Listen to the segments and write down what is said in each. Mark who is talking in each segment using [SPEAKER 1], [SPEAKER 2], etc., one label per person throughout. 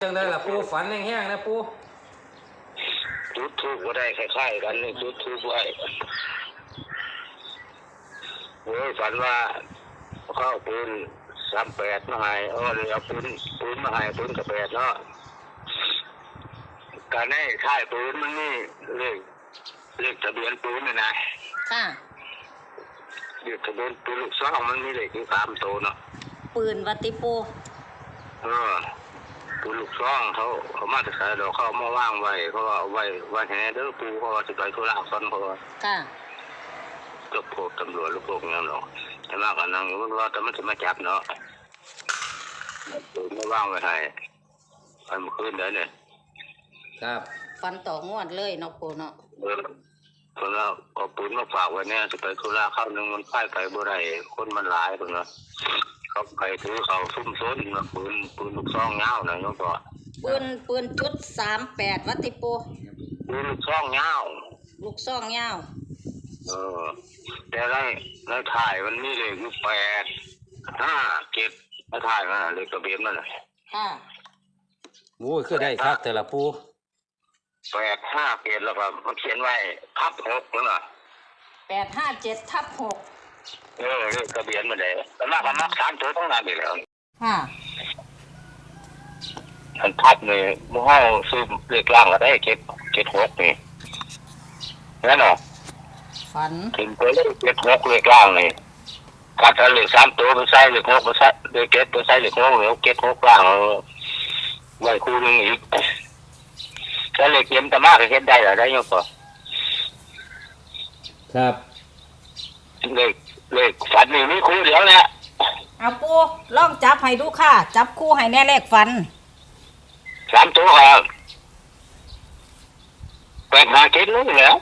[SPEAKER 1] จังได้ล่ะปูฝันแห้งๆนะปู
[SPEAKER 2] จุดทูบก็ได้คล้ายๆกันนี่จุดทูบไว้โอ้ยฝันว่าเข้าปืน38มาให้เอาปืนมาให้ปืนกับ8เนาะการให้ค่ายปืนมันนี่เลขทะเบียนปืนนี่นะ
[SPEAKER 3] ค่ะ
[SPEAKER 2] เลขทะเบียนปืนลูกซองมันมีเลขอยู่3ตัวเนาะ
[SPEAKER 3] ปืนวัติปู
[SPEAKER 2] ปืนลูกซองเขามาจะใส่ดอกเขามาว่างไว้เขาเอาไว้แห่เด้อปูเขาจะไปธุระซ้อนเขา
[SPEAKER 3] ค่ะ
[SPEAKER 2] ก็พวกตำรวจลูกพวกนี้เนาะแต่ว่ากันนั่งอยู่ว่าแต่มันจะมาจับเนาะปืนมาว่างไว้ให้อันเมื่อคืนเด้อเนี่ย
[SPEAKER 1] ครับ
[SPEAKER 3] ฟันต่องวดเลยเนาะปูเนาะ
[SPEAKER 2] คนเราเอาปืนมาฝากไว้เนี่ยจะไปธุระเข้านึงมันพ่ายไปบ่ได้คนมันหลายคนเนาะเขาไปถือเขาซุ่มซ้นมาปืนลูกซองเงาหน่อยโยมพ่อ
[SPEAKER 3] ปืนจุด38วัติปู
[SPEAKER 2] ปืนลูกซองเงา
[SPEAKER 3] ลูกซองเงา
[SPEAKER 2] แต่ในถ่ายมันมีเลขอยู่857ในถ่ายมันเลขทะเบียนมัน
[SPEAKER 3] ค่ะ
[SPEAKER 1] โอ้ยคือได้ครับแต่ละปู
[SPEAKER 2] 857แล้วก็มันเขียนไว้ทับ6นั่นน่ะ
[SPEAKER 3] 857/6
[SPEAKER 2] เลขทะเบียนมันได้แล้วมา3ตัวต้องนานอีกแล้ว
[SPEAKER 3] ค่ะ
[SPEAKER 2] อันทับนี่หมู่เฮาซื้อเลขล่างก็ได้776นี่นั่นเนาะ
[SPEAKER 3] ฝัน
[SPEAKER 2] ถึงไปเลข76เลขล่างนี่คัดเอาเลข3ตัวไปใส่เลข6ไปใส่เลข7ไปใส่เลข6แล้ว76ล่างไว้คู่นึงอีกถ้าเลขเข็มตะมาก็เฮ็ดได้ล่ะได้โยมพ่อ
[SPEAKER 1] ครับ
[SPEAKER 2] เลขฝันนี่มีคู่เดียวแหละ
[SPEAKER 3] เอาปูลองจับให้ดูค่ะจับคู่ให้แน่เลขฝัน
[SPEAKER 2] 3ตัวครับ857นี่แหละ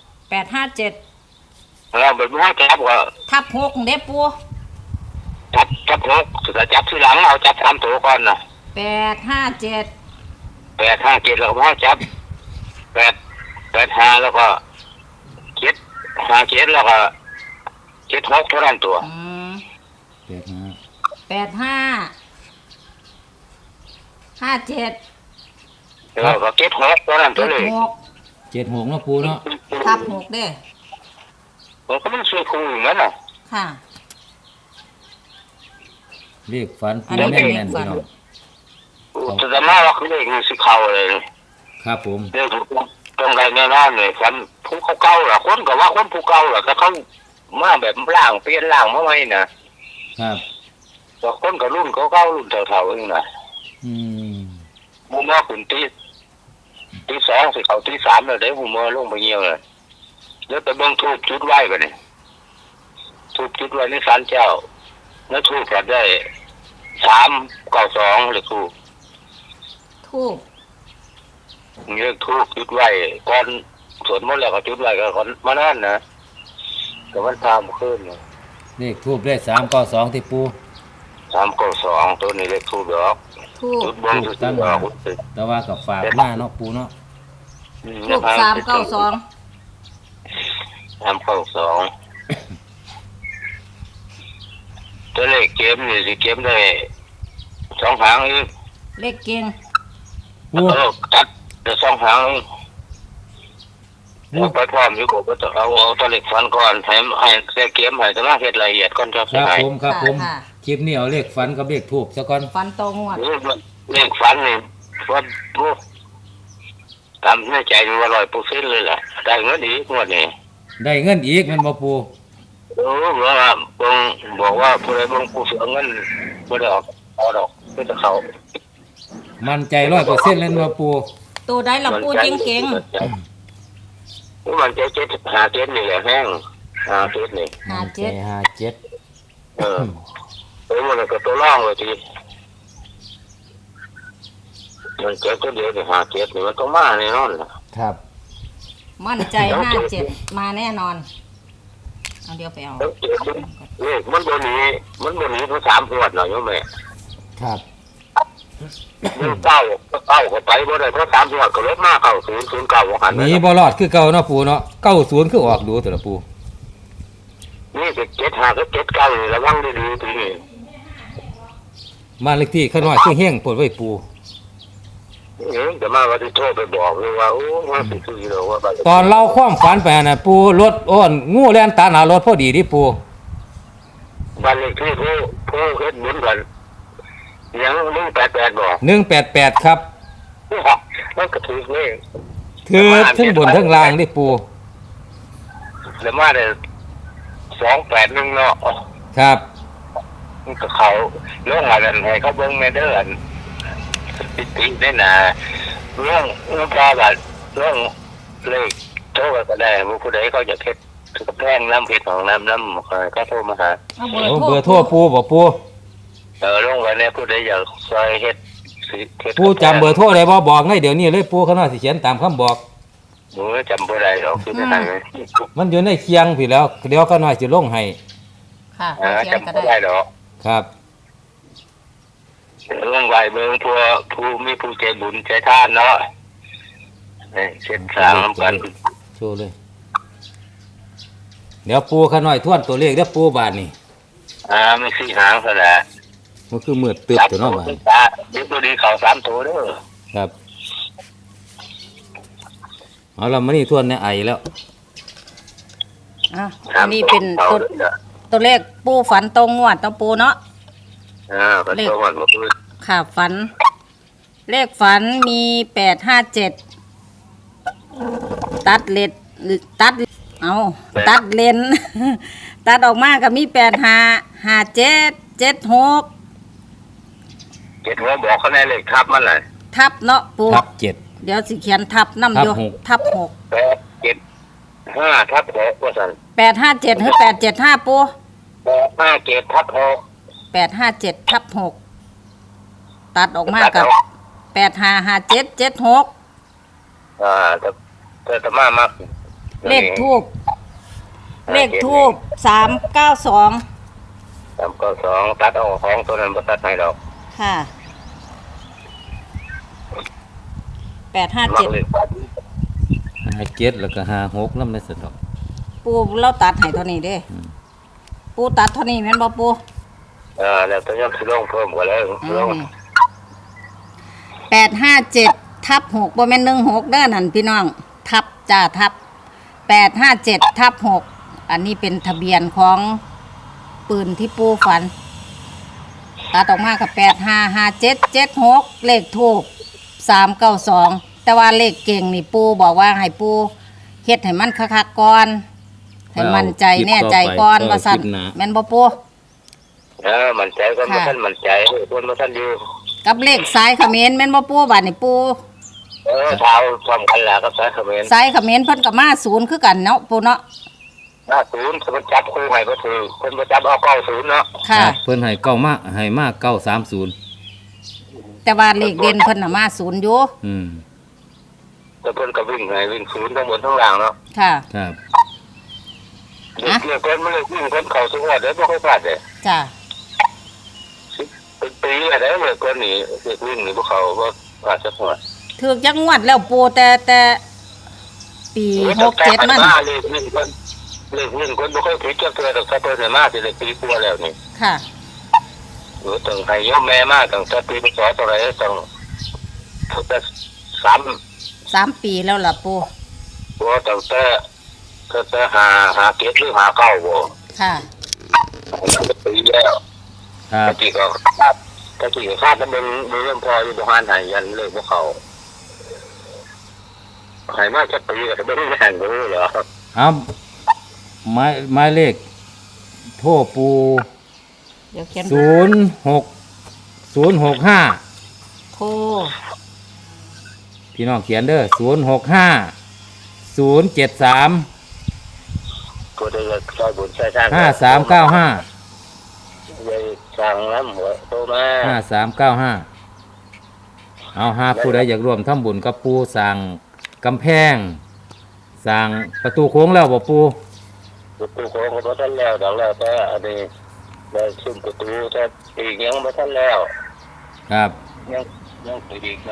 [SPEAKER 3] 857
[SPEAKER 2] เราแบบว่าจับว่า
[SPEAKER 3] ทับ6เด้ปู
[SPEAKER 2] จับ6จะจับทีหลังเอาจับ3ตัวก่อนน่ะ
[SPEAKER 3] 857
[SPEAKER 2] แล้วก็จับ85แล้วก็757แล้วก็76เท่านั้นตัว
[SPEAKER 3] 8557
[SPEAKER 2] แล้วก็76เท่านั้นตัวเลย
[SPEAKER 1] 76เนาะปูเนาะ
[SPEAKER 3] ทับ6เด้
[SPEAKER 2] ผมก็มันช่วยครูอยู่นั่นน่ะ
[SPEAKER 3] ค่ะ
[SPEAKER 1] เลขฝันปูแม่นๆพี่น้อง
[SPEAKER 2] แต่มาว่าคือเลขนี่สิเข้าเลย
[SPEAKER 1] ครับผม
[SPEAKER 2] เลขตรงใดแน่นอนเลยฝันผู้เก่าๆล่ะคนก็ว่าคนผู้เก่าล่ะก็เขามาแบบล่างเปลี่ยนล่างมาใหม่นะครับแต่คนก็รุ่นเก่าๆรุ่นเฒ่าๆเองน่ะบ่มาขึ้นตี2สิเข้าตี3แล้วได้บ่มาลงไปเหี่ยวเลยแล้วไปเบิ่งทูปจุดไว้บัดนี้ทูปจุดไว้ในศาลเจ้าแล้วทูปก็ได้392เลขทูปเลขทูปจุดไว้ก่อนสวดมนต์แล้วก็จุดไว้ก็ก่อนมานั่นนะก็มันทำขึ้น
[SPEAKER 1] เลขทูปได้392ที่ปู
[SPEAKER 2] 392ตัวนี้เลขทูปดอก
[SPEAKER 3] จุ
[SPEAKER 2] ดบนจุดดอก
[SPEAKER 1] แต่ว่ากับฝากหน้าเนาะปูเนาะ
[SPEAKER 3] ทูป392
[SPEAKER 2] ตัวเลขเกมนี่สิเกมได้2หางอีก
[SPEAKER 3] เลขเก่ง
[SPEAKER 2] จัดได้2หางไปพร้อมอยู่ก็ต้องเอาตัวเลขฝันก่อนให้เกมให้ต้องเฮ็ดรายละเอียดก่อน
[SPEAKER 1] ครับผมคลิปนี้เอาเลขฝันกับเลขทูปซะก่อน
[SPEAKER 3] ฝันตรงงวด
[SPEAKER 2] เลขฝันนี่ว่าทำในใจว่า100%เลยล่ะได้เงินอีกงวดนี้
[SPEAKER 1] ได้เงินอีกมันบ่ปู
[SPEAKER 2] บอกว่าผู้ใดบ่ผู้เสียเงินบ่ได้เอาดอกเพื่อจะเข้า
[SPEAKER 1] มั่นใจ 100% เลยบ่ปู
[SPEAKER 3] ตัวใดล่ะปูเก่ง
[SPEAKER 2] มันใจ757นี่แหละแห้ง57นี่
[SPEAKER 3] 57
[SPEAKER 2] มันก็ตัวล่างเลยทีมันเจ็บก็เดียวนี่57นี่มันต้องมาแน่นอนล่ะ
[SPEAKER 1] ครับ
[SPEAKER 3] มั่นใจ57มาแน่นอนเอาเดี๋ยวไปเอา
[SPEAKER 2] เลขมันบ่หนีเพราะ3งวดเนาะโยมแม่
[SPEAKER 1] ครับ
[SPEAKER 2] เก้าก็ไปบ่ได้เพราะ3งวดก็ลบมาเข้า009ว่าหั่น
[SPEAKER 1] หนีบ่รอดคือเก่าเนาะปู่เนาะ90คือออกดูแต่ละปู่
[SPEAKER 2] นี่ก็75กับ79นี่ระวังดีๆทีนี้
[SPEAKER 1] บ้านเลขที่ข้างน้อยคือเฮงปลดไว้ปู่
[SPEAKER 2] จะมาว่าที่โทรไปบอกเลยว่าโอ้ว่าสิคือเราว่าบ้าน
[SPEAKER 1] ตอนเราความฝันไปน่ะปูรถอ้นงูแล่นตาหนารถพอดีที่ปู
[SPEAKER 2] บ้านเลขที่ผู้เฮ็ดบุญกันยัง188บอก
[SPEAKER 1] 188ครับ
[SPEAKER 2] มันก็ถูกเลย
[SPEAKER 1] คือทั้งบนทั้งล่างที่ปู
[SPEAKER 2] แล้วมาได้281เนาะ
[SPEAKER 1] ครับ
[SPEAKER 2] มันก็เขาเรื่องอะไรให้เขาเบิ่งแม่เด้ออันติได้น่ะเรื่องปลาบัดเรื่องเลขโทรก็ได้ผู้ใดเขาจะเฮ็ดกระแพงน้ำเพชรของน้ำก็โทรมาหา
[SPEAKER 3] เอา
[SPEAKER 1] โอ้เบอร์โทรปูบ่ปู
[SPEAKER 2] ลงไว้เนี่ยผู้ใดอยากซอยเฮ็ดเฮ็ด
[SPEAKER 1] ปูจำเบอร์โทรได้บ่บอกให้เดี๋ยวนี้เลยปูเขาน่าสิเขียนตามคำบอก
[SPEAKER 2] หนูจำบ่ได้หรอกคือไม่ได้เลย
[SPEAKER 1] มันอยู่ในเคียงพี่แล้วเดี๋ยวเขาน้อยสิลงให้
[SPEAKER 3] ค่ะเอาเขียน
[SPEAKER 2] จำ
[SPEAKER 3] ก็
[SPEAKER 2] บ่
[SPEAKER 3] ได้
[SPEAKER 2] ได้หรอก
[SPEAKER 1] ครับ
[SPEAKER 2] ลงไว้เบิ่งผู้มีผู้ใจบุญใจทานเนาะเช็ดสร้างน้ำกัน
[SPEAKER 1] โชว์เลย เดี๋ยวปูเขาน้อยทวนตัวเลขเด้อปูบาทนี่
[SPEAKER 2] ไม่สี่หางซะแหละ
[SPEAKER 1] มันคือมืดตึ๊บตัวเนาะบาด
[SPEAKER 2] เดี๋ยวตัวดีเขา3ตัวเด้อ
[SPEAKER 1] ครับเอาเรามานี่ทวนในไอแล้ว
[SPEAKER 3] อ่ะอันนี้เป็นตัวเลขปูฝันตรงงวดต้องปูเนาะ
[SPEAKER 2] ก็ตัวมันบ่คือ
[SPEAKER 3] ค่ะฝัน เลขฝันมี857ตัดเลนตัดเลน ตัดออกมาก็มี855776
[SPEAKER 2] เจ็ดหัวบอกเขาในเลขทับมันแหละ
[SPEAKER 3] ทับเนาะปู
[SPEAKER 1] ทับ7
[SPEAKER 3] เดี๋ยวสิเขียนทับน้ำอยู่
[SPEAKER 1] ทับ
[SPEAKER 3] ทับ
[SPEAKER 2] 875ทับ6ว่าซั่น
[SPEAKER 3] 6 857หรือ875ปู
[SPEAKER 2] 857ทับ6
[SPEAKER 3] 857ทับ6ตัดออกมากับ855776
[SPEAKER 2] แต่มามาก
[SPEAKER 3] เลขทูบ392
[SPEAKER 2] 392ตัดเอาของตัวนั้นบ่ตัดให้ดอก
[SPEAKER 3] ค่ะ
[SPEAKER 2] มักเลข
[SPEAKER 1] 57แล้วก็56นำในสะดอก
[SPEAKER 3] ปูเราตัดให้เท่านี้เด้ปูตัดเท่านี้แม่นบ่ปู
[SPEAKER 2] แล้วตัวยังสิลงเพิ่มกว่าแล้วลง
[SPEAKER 3] 857ทับ6บ่แม่น16เด้อนั่นพี่น้องทับจ้าทับ857ทับ6อันนี้เป็นทะเบียนของปืนที่ปูฝันตัดออกมากับ855776เลขทูบ392แต่ว่าเลขเก่งนี่ปูบอกว่าให้ปูเฮ็ดให้มันคักๆก่อนให้มั่นใจแน่ใจก่อนว่าซั่นแม่นบ่ปู
[SPEAKER 2] มั่นใจก็บ่ทันมั่นใจคนบ่ทันอยู่
[SPEAKER 3] กับเลขสายเขมรแม่นบ่ปูบัดนี้ปู
[SPEAKER 2] เท้าพร้อมกันล่ะครับสายเขมร
[SPEAKER 3] สายเขมรเพิ่นก็มา0คือกันเนาะปูเนาะ
[SPEAKER 2] 50คนจับคู่ให้บ่ถือคนบ่จับเอา90เนาะ
[SPEAKER 3] ค่ะ
[SPEAKER 1] เพิ่นให้ให้มา930
[SPEAKER 3] แต่ว่าเลขเด่นเพิ่นน่ะมา0อยู่
[SPEAKER 2] แต่เพิ่นก็วิ่งให้วิ่งศูนย์ทั้งบนทั้งล่างเนาะ
[SPEAKER 3] ค่ะ
[SPEAKER 1] ครับ
[SPEAKER 2] เด็กเพิ่นมันเลยวิ่งเพิ่นเข้าสุดได้บ่ค่อยพลาดเด้
[SPEAKER 3] จ้ะ
[SPEAKER 2] เป็นปีแล้วเลยคนนี้เด็กวิ่งนี่บ่เข้าบ่พลาดสักหัว
[SPEAKER 3] ถูกจักงวดแล้วปูแต่ปี67มัน
[SPEAKER 2] เลขวิ่งคนบ่ค่อยผิดจักเทื่อดอกถ้าเพิ่นได้มาสิได้ปีกว่าแล้วนี่
[SPEAKER 3] ค่ะ
[SPEAKER 2] ต้องให้ยมแม่มาตั้งแต่ปีพศเท่าไหร่ต้องแต่
[SPEAKER 3] 3 ปีแล้วล่ะปู
[SPEAKER 2] บ่ตั้งแต่หาเก็ดหรือหาเก้าบ่
[SPEAKER 3] ค่ะ
[SPEAKER 2] ปีแล้ว
[SPEAKER 1] ครับ
[SPEAKER 2] ตะกี้ก็คาดมันเรื่องพออยู่บ่หันให้ยันเลิกบ่เข้าให้มาจักปีก็บ่ได้แม่นบ่เหรอ
[SPEAKER 1] เอาหมายเลขโทรปู
[SPEAKER 3] เดี๋ยวเขียน
[SPEAKER 1] 06065
[SPEAKER 3] โทร
[SPEAKER 1] พี่น้องเขียนเด้อ065 073
[SPEAKER 2] ก็ได้ซอยบุญใช้ทาง
[SPEAKER 1] 5395
[SPEAKER 2] เลยสั่งน้ำหัวโตมา
[SPEAKER 1] 5395เอาหาผู้ใดอยากร่วมทำบุญกับปูสร้างกำแพงสร้างประตูโค้งแล้วบ่ปู
[SPEAKER 2] ประตูโค้งก็บ่ทันแล้วดอกแล้วแต่อันนี้ได้ซุ่มประตูแต่อีกยังบ่ทันแล้ว
[SPEAKER 1] ครับ
[SPEAKER 2] ยังอีกมัน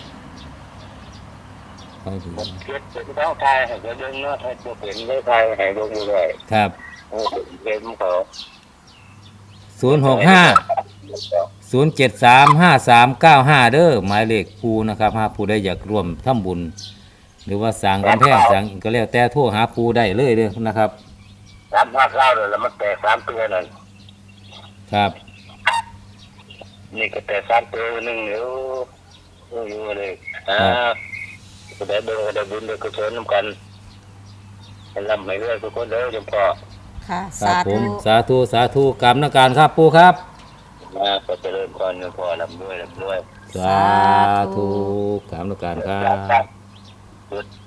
[SPEAKER 1] ไปถึง
[SPEAKER 2] มันเกิดเป็นท้องทายให้ก็เดินเนาะถ้าบ่เป็นได้ทายให้บ่อยู่ได้
[SPEAKER 1] ครับ
[SPEAKER 2] โอ้เป็นเขา
[SPEAKER 1] 065 0735395เด้อหมายเลขปูนะครับหาผู้ใดอยากร่วมทำบุญ หรือว่าสร้างกำแพงสร้างก็แล้วแต่โทรหาปูได้เลยเด้อนะครับ
[SPEAKER 2] 359เลยแล้วมันแตก3ตัวนั่น
[SPEAKER 1] ครับ
[SPEAKER 2] นี่ก็แต่3ตัวนึงเดี๋ยวอยู่เลยก็ได้เบิ่งก็ได้บุญได้กุศลนำกันให้ร่ำให้รวยทุกคนเด้อจงพ่อ
[SPEAKER 3] ค่ะ
[SPEAKER 1] ครับ
[SPEAKER 3] สา
[SPEAKER 1] ผ
[SPEAKER 3] ธุ
[SPEAKER 1] มสาธุกรรมนการครับปูครับ
[SPEAKER 2] ก็เจริญพรจงพ่อร่ำรวย
[SPEAKER 1] สาธุกรรมนการครับ
[SPEAKER 2] จุด